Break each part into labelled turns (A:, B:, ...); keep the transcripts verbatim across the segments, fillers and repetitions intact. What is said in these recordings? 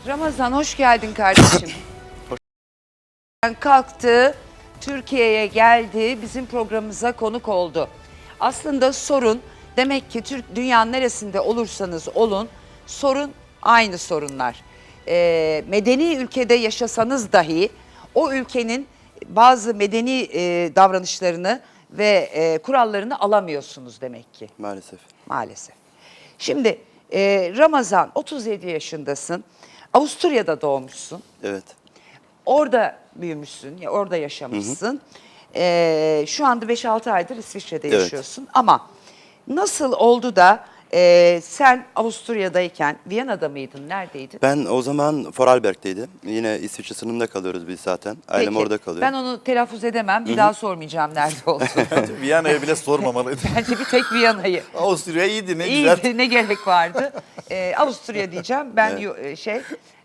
A: Ramazan hoş geldin kardeşim. Kalktı, Türkiye'ye geldi, bizim programımıza konuk oldu. Aslında sorun, demek ki Türk dünyanın neresinde olursanız olun, sorun aynı sorunlar. Ee, medeni ülkede yaşasanız dahi o ülkenin bazı medeni e, davranışlarını ve e, kurallarını alamıyorsunuz demek ki.
B: Maalesef.
A: Maalesef. Şimdi e, Ramazan otuz yedi yaşındasın. Avusturya'da doğmuşsun.
B: Evet.
A: Orada büyümüşsün, ya orada yaşamışsın. E, şu anda beş altı aydır İsviçre'de
B: Evet.
A: yaşıyorsun. Ama nasıl oldu da e, sen Avusturya'dayken Viyana'da mıydın, neredeydin?
B: Ben o zaman Vorarlberg'teydim. Yine İsviçre sınırında kalıyoruz biz zaten. Ailem
A: Peki,
B: orada kalıyor.
A: ben onu telaffuz edemem. Bir daha sormayacağım nerede olduğunu.
C: Viyana'ya bile sormamalıydı.
A: Bence bir tek Viyana'yı.
C: Avusturya iyiydi, ne güzel.
A: İyiydi, ne gerek vardı. Ee, Avusturya diyeceğim. Ben yo- e, şey...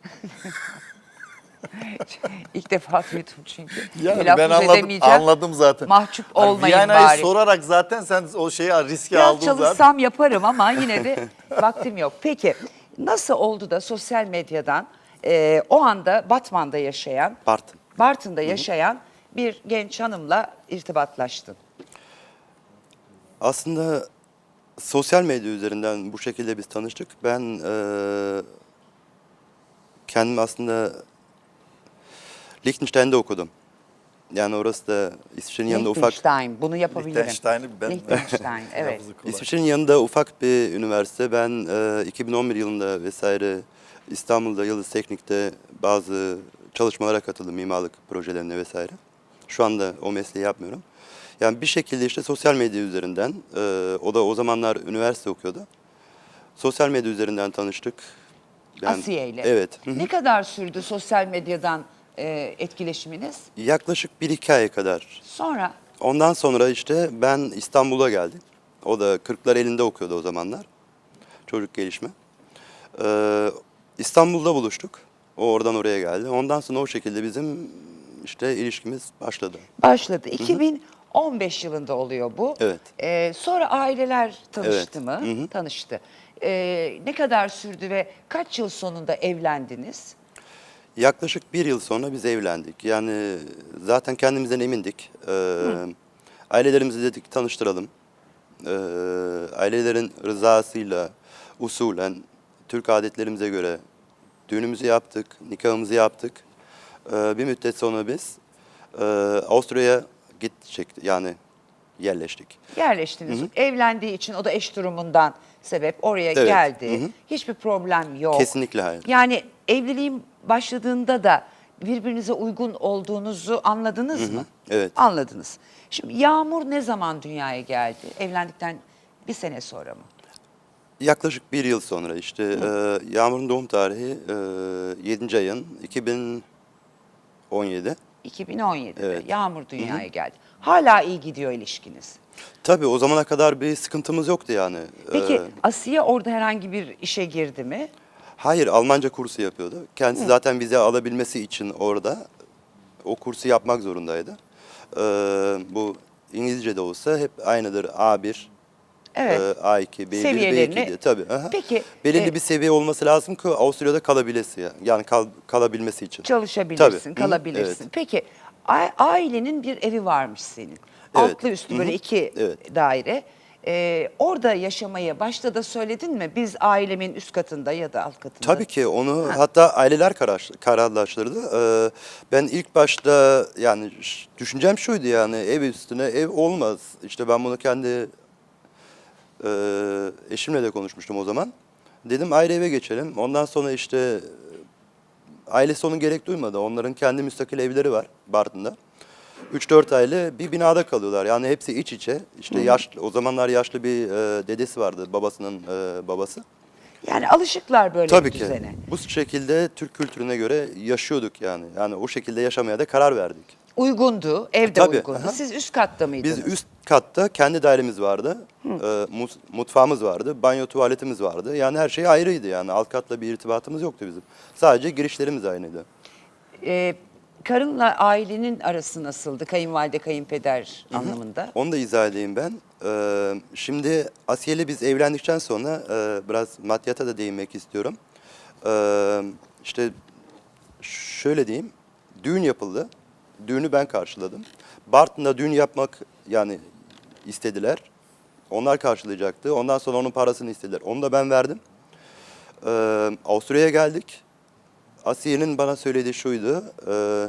A: İlk defa duydum çünkü.
C: Yani
A: Telaffuz
C: ben anladım,
A: edemeyeceğim.
C: anladım zaten.
A: Mahcup
C: Hani
A: olmayın
C: Viyana'yı
A: bari.
C: sorarak zaten sen o şeyi riski
A: Biraz
C: aldın zaten.
A: çalışsam yaparım ama yine de vaktim yok. Peki nasıl oldu da sosyal medyadan e, o anda Batman'da yaşayan,
B: Bartın.
A: Bartın'da yaşayan bir genç hanımla irtibatlaştın?
B: Aslında sosyal medya üzerinden bu şekilde biz tanıştık. Ben eee kendim aslında Liechtenstein'de okudum. Yani orası da İsviçre'nin yanında ufak.
A: Liechtenstein, bunu yapabilirim.
C: Liechtenstein'i ben...
A: Liechtenstein, evet.
C: Lafızı kolay.
B: İsviçre'nin yanında ufak bir üniversite. Ben eee, iki bin on bir yılında vesaire İstanbul'da Yıldız Teknik'te bazı çalışmalara katıldım, mimarlık projelerine vesaire. Şu anda o mesleği yapmıyorum. Yani bir şekilde işte sosyal medya üzerinden, eee, o da o zamanlar üniversite okuyordu. Sosyal medya üzerinden tanıştık. Yani-
A: Asiye ile.
B: Evet. Hı hı.
A: Ne kadar sürdü sosyal medyadan e, etkileşiminiz?
B: Yaklaşık bir iki ay kadar.
A: Sonra
B: Ondan sonra işte ben İstanbul'a geldim. O da kırklar elinde okuyordu o zamanlar. Çocuk gelişme. Ee, İstanbul'da buluştuk. O oradan oraya geldi. Ondan sonra o şekilde bizim işte ilişkimiz başladı.
A: başladı. iki bin on beş yılında oluyor bu.
B: Evet.
A: E, sonra aileler tanıştı
B: Evet.
A: mı?
B: Hı hı.
A: Tanıştı. E, ne kadar sürdü ve kaç yıl sonunda evlendiniz?
B: Yaklaşık bir yıl sonra biz evlendik. Yani zaten kendimizden emindik. Ee, ailelerimizi dedik tanıştıralım. Ee, ailelerin rızasıyla, usulen, Türk adetlerimize göre düğünümüzü yaptık, nikahımızı yaptık. Ee, bir müddet sonra biz e, Avusturya'ya gidecek, yani yerleştik.
A: Yerleştiniz. Evlendiği için o da eş durumundan sebep oraya
B: Evet.
A: geldi.
B: Hı hı.
A: Hiçbir problem yok.
B: Kesinlikle hayır.
A: Yani evliliğin başladığında da birbirinize uygun olduğunuzu anladınız mı?
B: Evet.
A: Anladınız. Şimdi Yağmur ne zaman dünyaya geldi? Evlendikten bir sene sonra mı?
B: Yaklaşık bir yıl sonra işte e, Yağmur'un doğum tarihi e, yedinci ayın iki bin on yedi.
A: iki bin on yedide
B: Evet.
A: Yağmur dünyaya geldi. Hala iyi gidiyor ilişkiniz.
B: Tabii o zamana kadar bir sıkıntımız yoktu yani.
A: Peki
B: Ee,
A: Asiye orada herhangi bir işe girdi mi?
B: hayır, Almanca kursu yapıyordu. Kendisi zaten vize alabilmesi için orada o kursu yapmak zorundaydı. Ee, bu İngilizce de olsa hep aynıdır. A bir,
A: Evet.
B: e, A iki, B bir, B
A: Seviyelerini-
B: iki diye. Tabii. aha.
A: Peki,
B: Belirli
A: e-
B: bir seviye olması lazım ki Avusturya'da kalabilesi ya. Yani kal- kalabilmesi için.
A: Çalışabilirsin,
B: Tabii. Hı,
A: kalabilirsin.
B: evet.
A: Peki a- ailenin bir evi varmış senin. Altlı üstlü böyle iki
B: Evet.
A: daire. Ee, orada yaşamaya başta da söyledin mi? Biz ailemin üst katında ya da alt katında.
B: Tabii ki onu hatta aileler karar, kararlaştırdı. Ee, ben ilk başta yani ş- düşüncem şuydu, yani ev üstüne ev olmaz. İşte ben bunu kendi e, eşimle de konuşmuştum o zaman. Dedim ayrı eve geçelim. Ondan sonra işte e, ailesi onun gerek duymadı. Onların kendi müstakil evleri var Bartın'da. üç dört aile bir binada kalıyorlar. Yani hepsi iç içe. İşte yaşlı, o zamanlar yaşlı bir e, dedesi vardı, babasının e, babası.
A: Yani alışıklar böyle
B: Tabii
A: bir
B: ki.
A: düzene.
B: Bu şekilde Türk kültürüne göre yaşıyorduk yani. Yani o şekilde yaşamaya da karar verdik.
A: Uygundu, evde
B: Tabii,
A: uygundu.
B: aha.
A: Siz üst katta mıydınız?
B: Biz üst katta kendi dairemiz vardı. Ee, mus- mutfağımız vardı. Banyo tuvaletimiz vardı. Yani her şey ayrıydı yani. Alt katla bir irtibatımız yoktu bizim. Sadece girişlerimiz aynıydı.
A: Ee, karınla ailenin arası nasıldı? Kayınvalide, kayınpeder anlamında.
B: Onu da izah edeyim ben. Ee, şimdi Asiye'yle biz evlendikten sonra e, biraz maddiyata da değinmek istiyorum. Ee, işte şöyle diyeyim, düğün yapıldı. Düğünü ben karşıladım. Bartın'da düğün yapmak yani istediler. Onlar karşılayacaktı. Ondan sonra onun parasını istediler. Onu da ben verdim. Ee, Avusturya'ya geldik. Asiye'nin bana söylediği şuydu. E,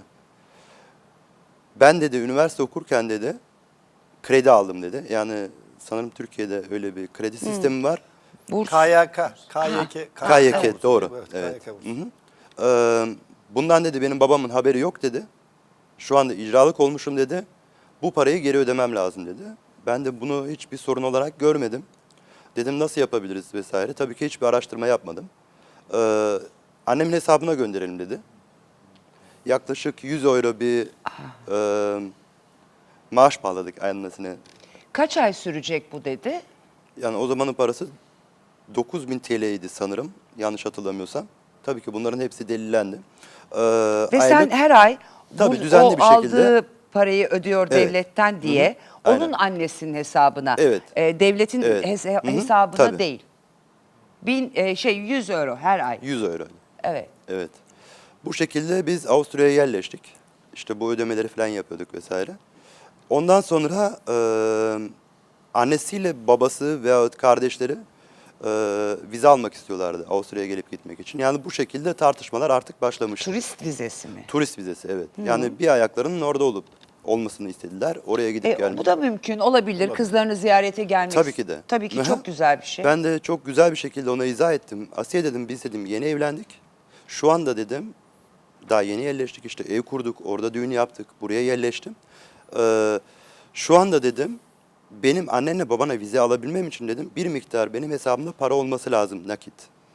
B: ben dedi üniversite okurken dedi kredi aldım dedi. Yani sanırım Türkiye'de öyle bir kredi sistemi var.
A: Burs.
C: K Y K, K Y K,
B: K Y K doğru.
C: Evet,
B: Evet.
C: K Y K bursu.
B: Hı hı. Ee, bundan dedi benim babamın haberi yok dedi. Şu anda icralık olmuşum dedi. Bu parayı geri ödemem lazım dedi. Ben de bunu hiçbir sorun olarak görmedim. Dedim nasıl yapabiliriz vesaire. Tabii ki hiçbir araştırma yapmadım. Ee, annemin hesabına gönderelim dedi. Yaklaşık yüz euro bir e, maaş bağladık annesine.
A: Kaç ay sürecek bu dedi?
B: Yani o zamanın parası dokuz bin T L'ydi sanırım. Yanlış hatırlamıyorsam. Tabii ki bunların hepsi delillendi. Ee,
A: Ve sen
B: aylık-
A: her ay
B: Tabii,
A: bu,
B: düzenli
A: o
B: bir şekilde.
A: aldığı parayı ödüyor
B: Evet.
A: devletten diye
B: Hı hı.
A: onun
B: Aynen.
A: annesinin hesabına,
B: Evet.
A: e, devletin
B: Evet.
A: hes-
B: Hı hı.
A: hesabına
B: Tabii.
A: değil. Bin e, şey yüz euro her ay.
B: yüz euro.
A: Evet.
B: Evet. Bu şekilde biz Avusturya'ya yerleştik. İşte bu ödemeleri falan yapıyorduk vesaire. Ondan sonra e, annesiyle babası veyahut kardeşleri e, vize almak istiyorlardı Avusturya'ya gelip gitmek için. Yani bu şekilde tartışmalar artık başlamıştı.
A: Turist vizesi mi?
B: Turist vizesi evet. Yani bir ayaklarının orada olup olmasını istediler. Oraya gidip
A: E,
B: gelmek.
A: bu da mümkün olabilir. Kızlarını ziyarete gelmek.
B: Tabii ki de.
A: Tabii ki
B: Aha.
A: çok güzel bir şey.
B: Ben de çok güzel bir şekilde ona izah ettim. Asiye dedim biz dedim yeni evlendik. Şu anda dedim daha yeni yerleştik işte ev kurduk. Orada düğün yaptık. Buraya yerleştim. Ee, şu anda dedim benim annenle babana vize alabilmem için dedim bir miktar benim hesabımda para olması lazım nakit.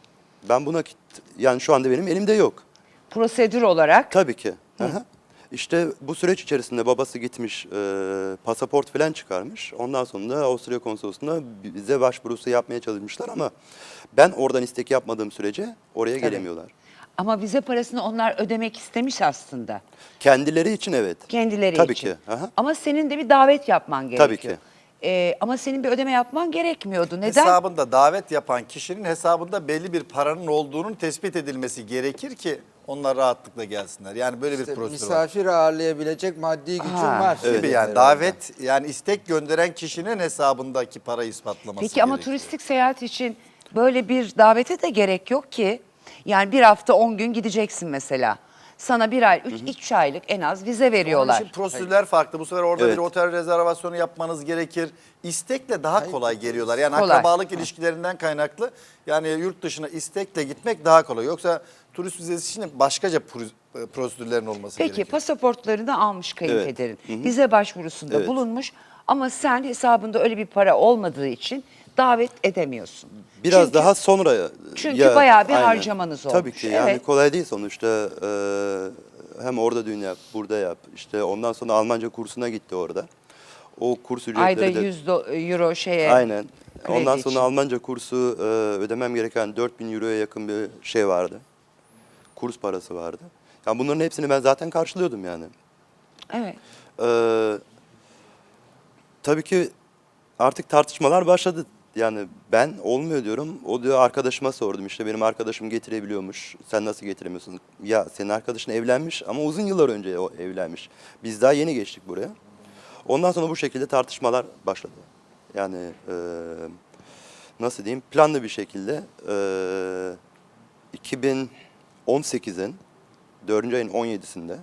B: Ben bu nakit yani şu anda benim elimde yok.
A: Prosedür olarak
B: Tabii ki. Aha. İşte bu süreç içerisinde babası gitmiş, e, pasaport falan çıkarmış. Ondan sonra da Avusturya konsolosluğuna vize başvurusu yapmaya çalışmışlar ama ben oradan istek yapmadığım sürece oraya gelemiyorlar.
A: ama vize parasını onlar ödemek istemiş aslında.
B: Kendileri için evet.
A: Kendileri
B: Tabii
A: için.
B: ki. Aha.
A: Ama senin de bir davet yapman gerekiyor.
B: Tabii ki.
A: Ee, ama senin bir ödeme yapman gerekmiyordu. Neden?
C: Hesabında davet yapan kişinin hesabında belli bir paranın olduğunun tespit edilmesi gerekir ki onlar rahatlıkla gelsinler. Yani böyle bir
D: İşte
C: prosedür var.
D: misafir ağırlayabilecek maddi gücün
A: Ha.
D: var.
C: Gibi
D: gibi
C: yani
D: herhalde.
C: davet yani istek gönderen kişinin hesabındaki parayı ispatlaması
A: Peki ama
C: gerekiyor.
A: turistik seyahat için böyle bir davete de gerek yok ki. Yani bir hafta on gün gideceksin mesela. Sana bir ay, üç, üç aylık en az vize
C: Onun
A: veriyorlar.
C: için prosedürler farklı. Bu sefer orada
B: Evet.
C: bir otel rezervasyonu yapmanız gerekir. İstekle daha kolay geliyorlar. Yani
A: Kolay.
C: akrabalık ilişkilerinden kaynaklı. Yani yurt dışına istekle gitmek daha kolay. Yoksa turist vizesi için başkaca pro- prosedürlerin olması
A: Peki
C: gerekiyor.
A: pasaportlarını almış kayınpederin.
B: Evet. Hı hı.
A: Vize başvurusunda
B: Evet.
A: bulunmuş ama sen hesabında öyle bir para olmadığı için davet edemiyorsun.
B: Biraz
A: Çünkü-
B: daha sonra.
A: çünkü bayağı bir harcamanız
B: Tabii
A: olmuş.
B: ki yani
A: Evet.
B: kolay değil sonuçta. Ee, hem orada düğün yap, burada yap. İşte ondan sonra Almanca kursuna gitti orada. O kurs ücretleri
A: Ayda
B: de...
A: yüz do- euro şeye.
B: Aynen.
A: kredi
B: Ondan
A: için.
B: sonra Almanca kursu e, ödemem gereken dört bin euroya yakın bir şey vardı. Kurs parası vardı. Yani bunların hepsini ben zaten karşılıyordum yani.
A: Evet.
B: Ee, tabii ki artık tartışmalar başladı. Yani ben olmuyor diyorum. O diyor arkadaşıma sordum işte benim arkadaşım getirebiliyormuş. Sen nasıl getiremiyorsun? Ya senin arkadaşın evlenmiş ama uzun yıllar önce o evlenmiş. Biz daha yeni geçtik buraya. Ondan sonra bu şekilde tartışmalar başladı. Yani e, nasıl diyeyim planlı bir şekilde e, iki bin on sekizin dördüncü ayın on yedisinde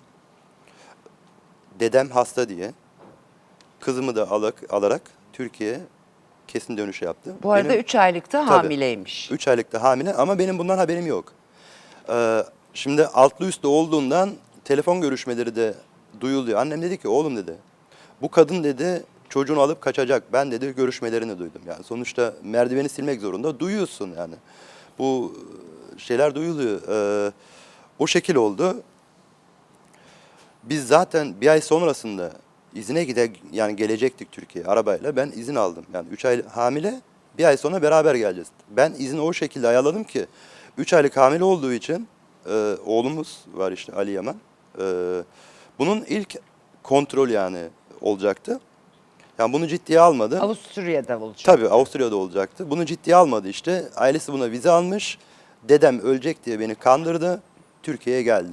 B: dedem hasta diye kızımı da alarak, alarak Türkiye'ye kesin dönüş yaptı.
A: Bu arada
B: Benim-
A: üç aylıkta
B: Tabii.
A: hamileymiş.
B: Üç aylıkta hamile ama benim bundan haberim yok. Ee, şimdi altlı üstlü olduğundan telefon görüşmeleri de duyuluyor. Annem dedi ki oğlum dedi bu kadın dedi çocuğunu alıp kaçacak. Ben dedi görüşmelerini duydum. Yani sonuçta merdiveni silmek zorunda duyuyorsun yani. Bu şeyler duyuluyor. Ee, o şekil oldu. Biz zaten bir ay sonrasında izine gide yani gelecektik Türkiye'ye arabayla. Ben izin aldım. Yani üç ay hamile bir ay sonra beraber geleceğiz. Ben izni o şekilde ayarladım ki üç aylık hamile olduğu için e, oğlumuz var işte Ali Yaman. E, bunun ilk kontrol yani olacaktı. Yani bunu ciddiye almadı.
A: Avusturya'da olacak.
B: Tabii Avusturya'da olacaktı. Bunu ciddiye almadı işte. Ailesi buna vize almış. Dedem ölecek diye beni kandırdı. Türkiye'ye geldi.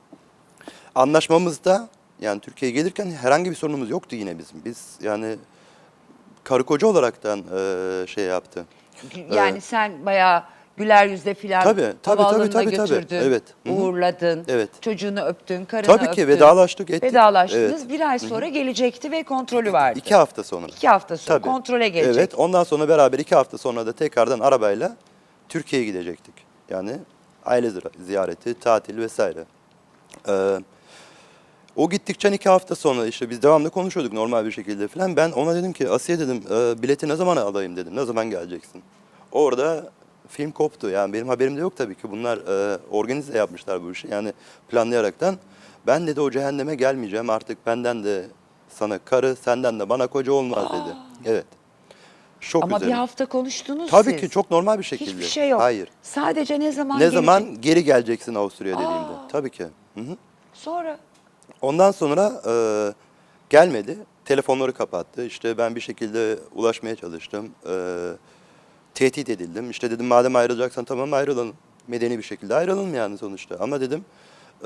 B: Anlaşmamızda yani Türkiye'ye gelirken herhangi bir sorunumuz yoktu yine bizim. Biz yani karı koca olaraktan e, şey yaptı.
A: Yani sen bayağı güler yüzle filan
B: Tabii, tabii,
A: havaalanına
B: tabii, tabii, tabii.
A: götürdün,
B: Evet. Hı hı.
A: uğurladın,
B: Evet.
A: çocuğunu öptün, karını
B: Tabii
A: öptün.
B: ki vedalaştık, ettik.
A: Vedalaştınız.
B: Evet.
A: Bir ay sonra gelecekti ve kontrolü vardı.
B: İki hafta sonra.
A: İki hafta sonra
B: Tabii.
A: kontrole gelecek.
B: Evet, ondan sonra beraber iki hafta sonra da tekrardan arabayla Türkiye'ye gidecektik. Yani aile zira- ziyareti, tatil vesaire. Ee, o gittikçe iki hafta sonra işte biz devamlı konuşuyorduk normal bir şekilde falan. Ben ona dedim ki Asiye dedim e, bileti ne zaman alayım dedim. Ne zaman geleceksin? Orada film koptu. Yani benim haberim de yok tabii ki. Bunlar e, organize yapmışlar bu işi. Yani planlayaraktan. Ben dedi o cehenneme gelmeyeceğim. Artık benden de sana karı, senden de bana koca olmaz dedi. Evet. Şok
A: Ama
B: üzerine.
A: bir hafta konuştunuz
B: Tabii
A: siz.
B: ki çok normal bir şekilde.
A: Hiçbir şey yok.
B: Hayır.
A: Sadece ne zaman
B: Ne
A: gelecek?
B: zaman geri geleceksin Avusturya dediğimde. Tabii ki. Hı hı.
A: Sonra
B: Ondan sonra e, gelmedi. Telefonları kapattı. İşte ben bir şekilde ulaşmaya çalıştım. E, tehdit edildim. İşte dedim madem ayrılacaksan tamam ayrılalım. Medeni bir şekilde ayrılalım yani sonuçta. Ama dedim e,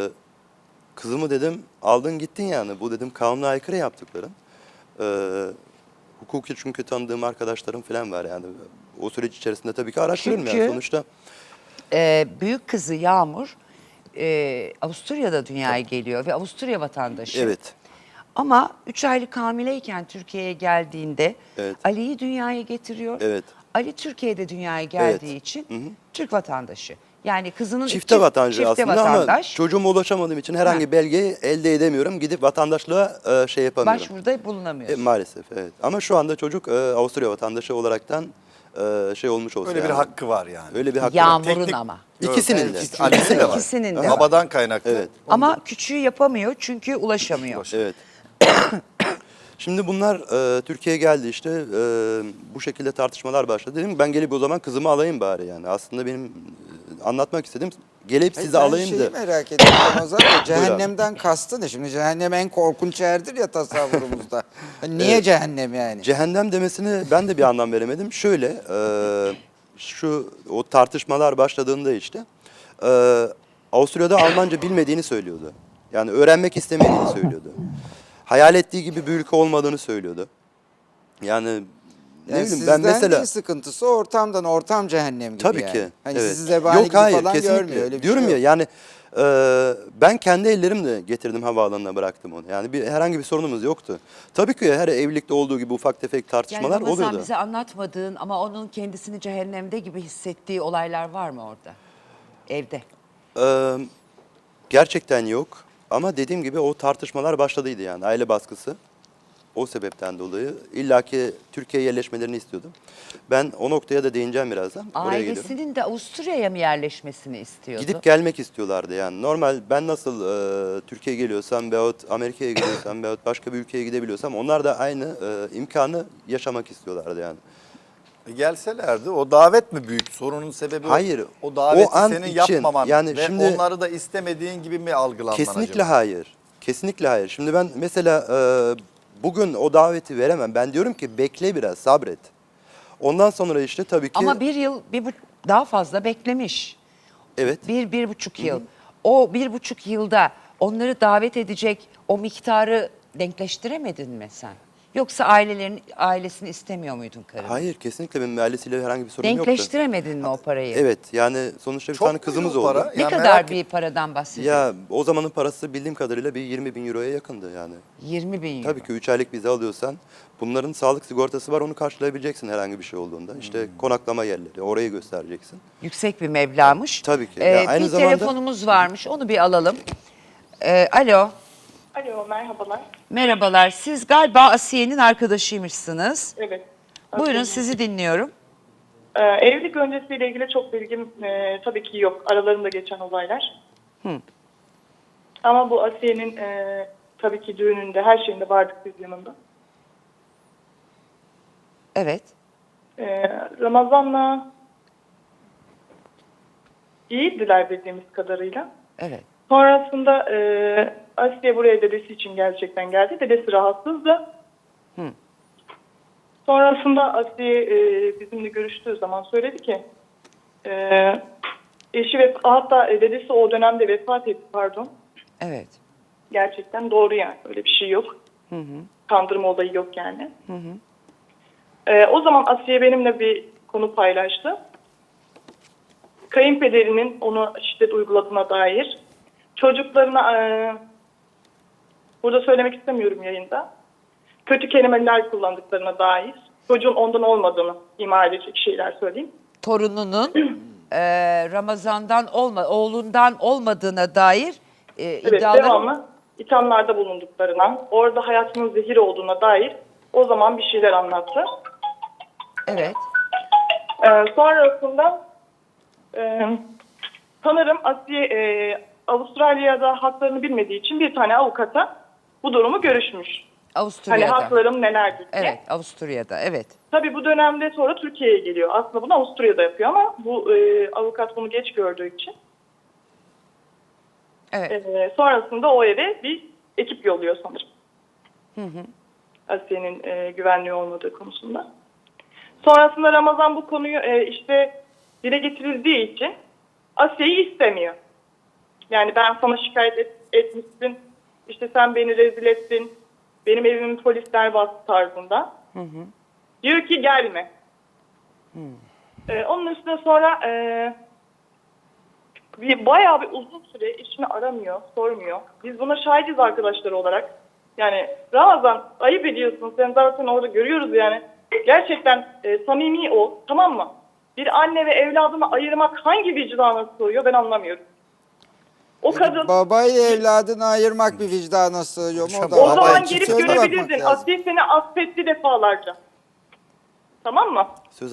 B: kızımı dedim aldın gittin yani. Bu dedim kanuna aykırı yaptıkların. E, hukuki çünkü tanıdığım arkadaşlarım falan var yani. O süreç içerisinde tabii ki araştırıyorum
A: Çünkü-
B: yani sonuçta.
A: e, büyük kızı Yağmur e, Avusturya'da dünyaya geliyor ve Avusturya vatandaşı.
B: Evet.
A: Ama üç aylık hamileyken Türkiye'ye geldiğinde
B: Evet.
A: Ali'yi dünyaya getiriyor.
B: Evet.
A: Ali Türkiye'de dünyaya geldiği
B: Evet.
A: için
B: Hı hı.
A: Türk vatandaşı. Yani kızının
B: Çifte
A: iki-
B: vatandaşı
A: çifte
B: aslında
A: vatandaş.
B: ama çocuğuma ulaşamadığım için herhangi
A: Ha.
B: belgeyi elde edemiyorum. Gidip vatandaşlığa e, şey yapamıyorum.
A: Başvuruda
B: E,
A: bulunamıyorsun.
B: maalesef evet. Ama şu anda çocuk e, Avusturya vatandaşı olaraktan e, şey olmuş olsa
C: Öyle bir
B: yani.
C: hakkı var yani.
B: Öyle bir hakkı
A: Yağmur-
B: var.
A: Yağmur'un ama.
B: İkisinin de.
C: İkisi- Ali'nin de var.
A: İkisinin de var.
C: Babadan kaynaklı.
B: Evet.
A: Ama küçüğü yapamıyor çünkü ulaşamıyor.
B: Evet. Şimdi bunlar e, Türkiye'ye geldi işte e, bu şekilde tartışmalar başladı. Dedim ben gelip o zaman kızımı alayım bari yani. Aslında benim e, anlatmak istediğim gelip
D: Hayır,
B: sizi
D: ben
B: alayım
D: şeyi
B: da.
D: merak ediyorum Ramazan Bey. Cehennemden kastı ne? Şimdi cehennem en korkunç yerdir ya tasavvurumuzda. Hani niye cehennem yani?
B: Cehennem demesini ben de bir anlam veremedim. Şöyle, e, şu o tartışmalar başladığında işte e, Avusturya'da Almanca bilmediğini söylüyordu. Yani öğrenmek istemediğini söylüyordu. Hayal ettiği gibi bir ülke olmadığını söylüyordu. Yani ne
D: Yani
B: bileyim
D: sizden
B: ben mesela
D: değil sıkıntısı ortamdan, ortam cehennem gibi
B: tabii
D: yani.
B: ki.
D: Hani
B: evet.
D: sizi zebani
B: Yok
D: gibi
B: hayır
D: falan
B: kesinlikle.
D: görmüyor. Öyle bir
B: Diyorum
D: şey
B: ya
D: yok.
B: yani e, ben kendi ellerimle getirdim havaalanına bıraktım onu. Yani bir herhangi bir sorunumuz yoktu. Tabii ki her evlilikte olduğu gibi ufak tefek
A: Yani
B: tartışmalar
A: Ramazan
B: oluyordu.
A: bize anlatmadığın ama onun kendisini cehennemde gibi hissettiği olaylar var mı orada? Evde.
B: Ee, gerçekten yok. Ama dediğim gibi o tartışmalar başladıydı yani aile baskısı. O sebepten dolayı illaki Türkiye'ye yerleşmelerini istiyordum. Ben o noktaya da değineceğim birazdan. Oraya geliyorum.
A: Ailesinin de Avusturya'ya mı yerleşmesini istiyordu?
B: Gidip gelmek istiyorlardı yani. Normal ben nasıl e, Türkiye'ye geliyorsam veyahut Amerika'ya gidiyorsam veyahut başka bir ülkeye gidebiliyorsam onlar da aynı e, imkanı yaşamak istiyorlardı yani.
C: E gelselerdi o davet mi büyük? Sorunun sebebi o-
B: Hayır,
C: o daveti
B: o an
C: senin
B: için,
C: yapmaman
B: yani
C: ve
B: şimdi-
C: onları da istemediğin gibi mi algılanman
B: Kesinlikle
C: acaba?
B: hayır. Kesinlikle hayır. Şimdi ben mesela e, bugün o daveti veremem. Ben diyorum ki bekle biraz sabret. Ondan sonra işte tabii ki
A: Ama bir yıl, bir bu, daha fazla beklemiş.
B: evet.
A: Bir, bir buçuk yıl. O bir buçuk yılda onları davet edecek o miktarı denkleştiremedin mi sen? Yoksa ailelerin ailesini istemiyor muydun karını?
B: Hayır kesinlikle benim ailesiyle herhangi bir sorun yoktu.
A: Denkleştiremedin mi o parayı?
B: Evet yani sonuçta bir
C: Çok
B: tane
C: mu
B: kızımız
C: o
B: oldu.
C: para?
A: Ne
C: Ya
A: kadar
C: merak
A: bir paradan bahsediyorsun?
B: Ya o zamanın parası bildiğim kadarıyla bir yirmi bin euroya yakındı yani.
A: yirmi bin euro.
B: Tabii ki üç aylık vize alıyorsan bunların sağlık sigortası var onu karşılayabileceksin herhangi bir şey olduğunda. İşte
C: Hmm.
B: konaklama yerleri orayı göstereceksin.
A: Yüksek bir meblağmış.
B: Tabii ki.
A: Ee,
B: Ya aynı
A: bir
B: zamanda-
A: telefonumuz varmış. Onu bir alalım. Ee, alo.
E: Alo, merhabalar.
A: Merhabalar. Siz galiba Asiye'nin arkadaşıymışsınız.
E: Evet.
A: Buyurun
E: Aslında,
A: sizi dinliyorum.
E: e, evlilik öncesiyle ilgili çok bilgim e, tabii ki yok. Aralarında geçen olaylar.
A: Hı.
E: Ama bu Asiye'nin e, tabii ki düğününde, her şeyinde vardık biz yanında.
A: Evet.
E: E, Ramazan'la iyiydiler bildiğimiz kadarıyla.
A: Evet.
E: Sonrasında e, Asiye buraya dedesi için gerçekten geldi. Dedesi rahatsızdı.
A: Hı.
E: Sonrasında Asiye e, bizimle görüştüğü zaman söyledi ki e, eşi ve hatta e, dedesi o dönemde vefat etti, pardon.
A: Evet.
E: Gerçekten doğru yani. Öyle bir şey yok.
A: Hı hı.
E: Kandırma olayı yok yani.
A: Hı hı.
E: Ee, o zaman Asiye benimle bir konu paylaştı. Kayınpederinin onu şiddet uyguladığına dair, çocuklarına, e, burada söylemek istemiyorum yayında, kötü kelimeler kullandıklarına dair, çocuğun ondan olmadığını ima edecek şeyler söyleyeyim.
A: Torununun e, Ramazan'dan olma, oğlundan olmadığına dair e,
E: Evet,
A: iddiaları...
E: devamlı ithamlarda bulunduklarına, orada hayatının zehir olduğuna dair o zaman bir şeyler anlattı.
A: Evet.
E: Ee, sonrasında e, sanırım Asiye e, Avustralya'da haklarını bilmediği için bir tane avukata bu durumu görüşmüş. Hani
A: Avusturya'da.
E: haklarım nelerdir diye.
A: Evet, Avusturya'da. Evet.
E: Tabii bu dönemde sonra Türkiye'ye geliyor. Aslında bunu Avusturya'da yapıyor ama bu e, avukat bunu geç gördüğü için.
A: Evet.
E: E, sonrasında o eve bir ekip yolluyor sanırım.
A: Hı hı.
E: Asiye'nin e, güvenliği olmadığı konusunda. Sonrasında Ramazan bu konuyu e, işte dile getirildiği için Asiye'yi istemiyor. Yani ben sana şikayet et, etmişsin, işte sen beni rezil ettin, benim evimi polisler bastı tarzında.
A: Hı hı.
E: Diyor ki gelme.
A: Hı.
E: Ee, onun üstüne sonra e, bir, bayağı bir uzun süre eşini aramıyor, sormuyor. Biz buna şahidiz arkadaşlar olarak. Yani Ramazan ayıp ediyorsun, sen zaten orada görüyoruz yani. Gerçekten e, samimi o, tamam mı? Bir anne ve evladını ayırmak hangi vicdana sığıyor ben anlamıyorum. O kadın...
D: Babayla evladını ayırmak bir vicdana sığıyor mu? O, da
E: O
D: var.
E: zaman
C: Baba,
E: gelip
C: söyle bakmak
E: görebilirdin.
D: lazım.
E: Asiye seni affetti defalarca. Tamam mı?
B: Söz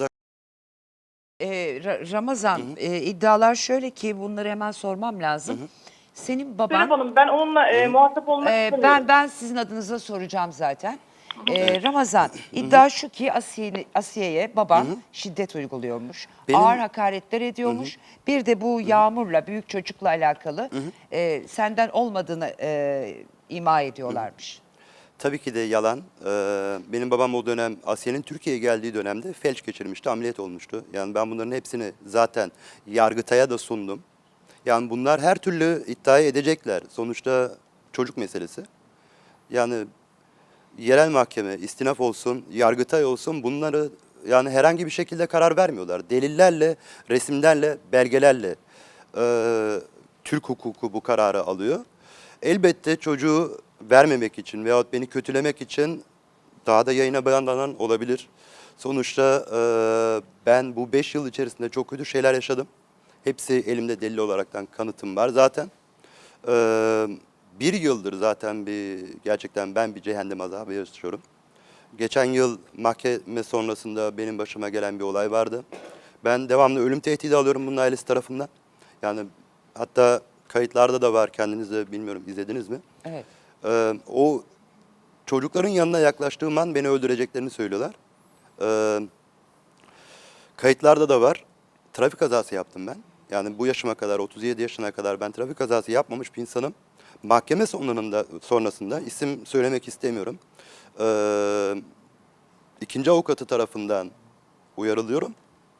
A: E, Ra- Ramazan, e, iddialar şöyle ki bunları hemen sormam lazım. Senin baban...
E: Serap Hanım, ben onunla e, muhatap olmak
A: Ee,
E: istemiyorum.
A: ben ben sizin adınıza soracağım zaten. Ee, Ramazan, iddia şu ki Asiye- Asiye'ye baban şiddet uyguluyormuş.
B: Benim-
A: Ağır hakaretler ediyormuş. Bir de bu Yağmur'la, büyük çocukla alakalı e, senden olmadığını e, ima ediyorlarmış.
B: Tabii ki de yalan. Ee, benim babam o dönem Asiye'nin Türkiye'ye geldiği dönemde felç geçirmişti, ameliyat olmuştu. Yani ben bunların hepsini zaten Yargıtay'a da sundum. Yani bunlar her türlü iddia edecekler. Sonuçta çocuk meselesi. Yani yerel mahkeme, istinaf olsun, Yargıtay olsun bunları yani herhangi bir şekilde karar vermiyorlar. Delillerle, resimlerle, belgelerle e, Türk hukuku bu kararı alıyor. Elbette çocuğu vermemek için veyahut beni kötülemek için daha da yayına beyanlanan olabilir. Sonuçta e, ben bu beş yıl içerisinde çok kötü şeyler yaşadım. Hepsi elimde delil olaraktan kanıtım var zaten. Ee, bir yıldır zaten bir gerçekten ben bir cehennem azabı yaşıyorum. Geçen yıl mahkeme sonrasında benim başıma gelen bir olay vardı. Ben devamlı ölüm tehdidi alıyorum bunun ailesi tarafından. Yani hatta kayıtlarda da var, kendiniz de bilmiyorum izlediniz mi?
A: Evet.
B: Ee, o çocukların yanına yaklaştığım an beni öldüreceklerini söylüyorlar. Ee, kayıtlarda da var. Trafik kazası yaptım ben. Yani bu yaşıma kadar, otuz yedi yaşına kadar ben trafik kazası yapmamış bir insanım. Mahkeme sonunda, sonrasında isim söylemek istemiyorum. Ee, ikinci avukatı tarafından uyarılıyorum.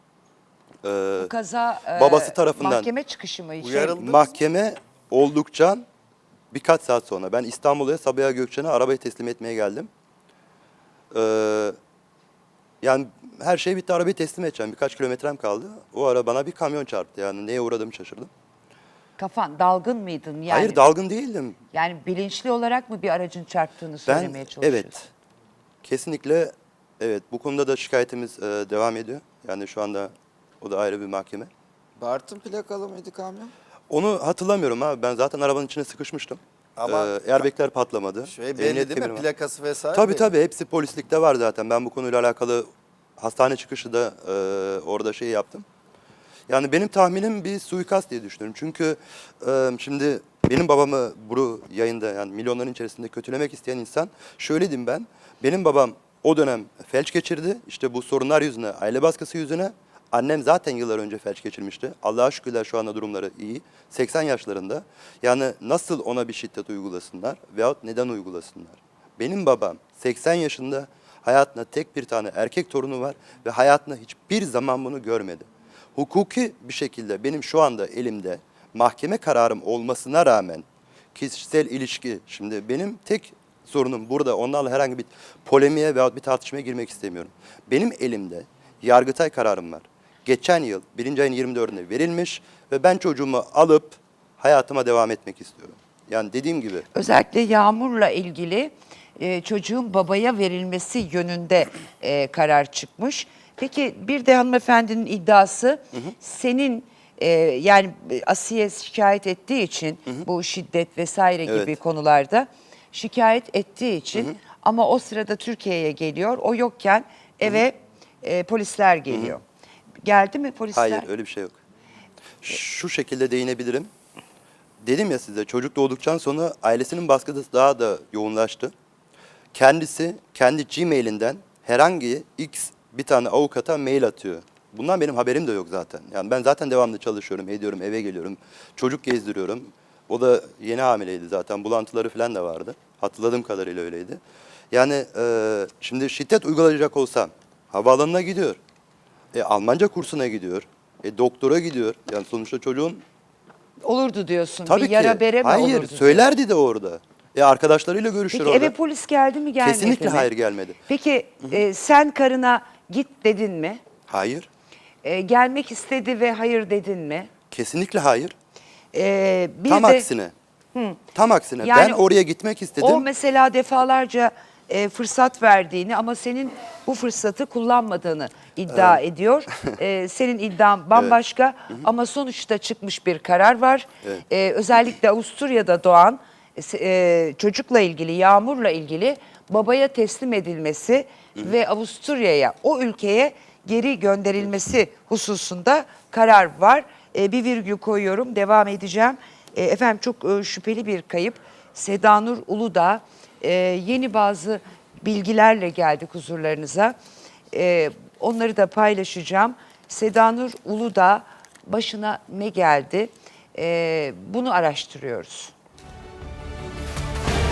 B: Ee,
A: Bu kaza e,
B: babası tarafından
A: mahkeme çıkışı mı? Şey,
C: Uyarıldı.
B: mahkeme oldukça birkaç saat sonra ben İstanbul'a Sabiha Gökçen'e arabayı teslim etmeye geldim. Ee, yani her şey bitti, arabayı teslim edeceğim. Birkaç kilometrem kaldı. O ara bana bir kamyon çarptı. Yani neye uğradığımı şaşırdım.
A: Kafan dalgın mıydın? Yani,
B: Hayır, dalgın değildim.
A: Yani bilinçli olarak mı bir aracın çarptığını
B: Ben
A: söylemeye çalışıyorsun?
B: evet. Kesinlikle evet. Bu konuda da şikayetimiz e, devam ediyor. Yani şu anda o da ayrı bir mahkeme.
D: Bartın plakalı mıydı kamyon?
B: Onu hatırlamıyorum abi. Ben zaten arabanın içine sıkışmıştım.
C: Ama-
B: Ee, airbagler patlamadı.
C: Şey belli
B: Emniyet
C: değil mi?
B: kemeri var.
C: Plakası vesaire
B: Tabii
C: belli.
B: tabii, hepsi polislikte var zaten. Ben bu konuyla alakalı hastane çıkışı da e, orada şey yaptım. Yani benim tahminim bir suikast diye düşünüyorum. Çünkü e, şimdi benim babamı bu yayında yani milyonların içerisinde kötülemek isteyen insan şöyle diyeyim ben. Benim babam o dönem felç geçirdi. İşte bu sorunlar yüzüne, aile baskısı yüzüne. Annem zaten yıllar önce felç geçirmişti. Allah'a şükürler şu anda durumları iyi. seksen yaşlarında. Yani nasıl ona bir şiddet uygulasınlar veyahut neden uygulasınlar? Benim babam seksen yaşında, hayatında tek bir tane erkek torunu var ve hayatında hiçbir zaman bunu görmedi. hukuki bir şekilde benim şu anda elimde mahkeme kararım olmasına rağmen kişisel ilişki, şimdi benim tek sorunum burada, onlarla herhangi bir polemiğe veya bir tartışmaya girmek istemiyorum. Benim elimde Yargıtay kararım var. Geçen yıl birinci ayın yirmi dördünde verilmiş ve ben çocuğumu alıp hayatıma devam etmek istiyorum. Yani dediğim gibi.
A: Özellikle Yağmur'la ilgili e, çocuğun babaya verilmesi yönünde e, karar çıkmış. Peki bir de hanımefendinin iddiası senin e, yani Asiye şikayet ettiği için bu şiddet vesaire gibi
B: Evet.
A: konularda şikayet ettiği için ama o sırada Türkiye'ye geliyor. O yokken eve e, polisler geliyor. Geldi mi polisler?
B: Hayır, öyle bir şey yok. Şu şekilde değinebilirim. Dedim ya size, çocuk doğduktan sonra ailesinin baskısı daha da yoğunlaştı. Kendisi kendi Gmail'inden herhangi X bir tane avukata mail atıyor. Bundan benim haberim de yok zaten. Yani ben zaten devamlı çalışıyorum, ediyorum, eve geliyorum. Çocuk gezdiriyorum. O da yeni hamileydi zaten. Bulantıları falan da vardı. Hatırladığım kadarıyla öyleydi. Yani e, şimdi şiddet uygulayacak olsam havaalanına gidiyor. E, Almanca kursuna gidiyor. E, doktora gidiyor. Yani sonuçta çocuğun
A: Olurdu diyorsun.
B: tabii
A: bir yara
B: ki.
A: bere mi
B: Hayır,
A: olurdu?
B: söylerdi de orada. E, arkadaşlarıyla görüşür
A: Peki
B: orada.
A: eve polis geldi mi gelmedi
B: Kesinlikle
A: mi?
B: hayır, gelmedi.
A: Peki e, sen karına git dedin mi?
B: Hayır.
A: E, gelmek istedi ve hayır dedin mi?
B: Kesinlikle hayır.
A: E, bir
B: Tam
A: de
B: aksine. Tam aksine.
A: Yani
B: ben oraya gitmek istedim.
A: o mesela defalarca e, fırsat verdiğini ama senin bu fırsatı kullanmadığını iddia ediyor. E, senin iddian bambaşka ama sonuçta çıkmış bir karar var.
B: Evet.
A: E, özellikle Avusturya'da doğan e, çocukla ilgili, Yağmur'la ilgili babaya teslim edilmesi ve Avusturya'ya, o ülkeye geri gönderilmesi hususunda karar var. E, bir virgül koyuyorum, devam edeceğim. E, efendim çok e, şüpheli bir kayıp. Sedanur Uludağ e, yeni bazı bilgilerle geldik huzurlarınıza. E, onları da paylaşacağım. Sedanur Uludağ başına ne geldi? E, bunu araştırıyoruz.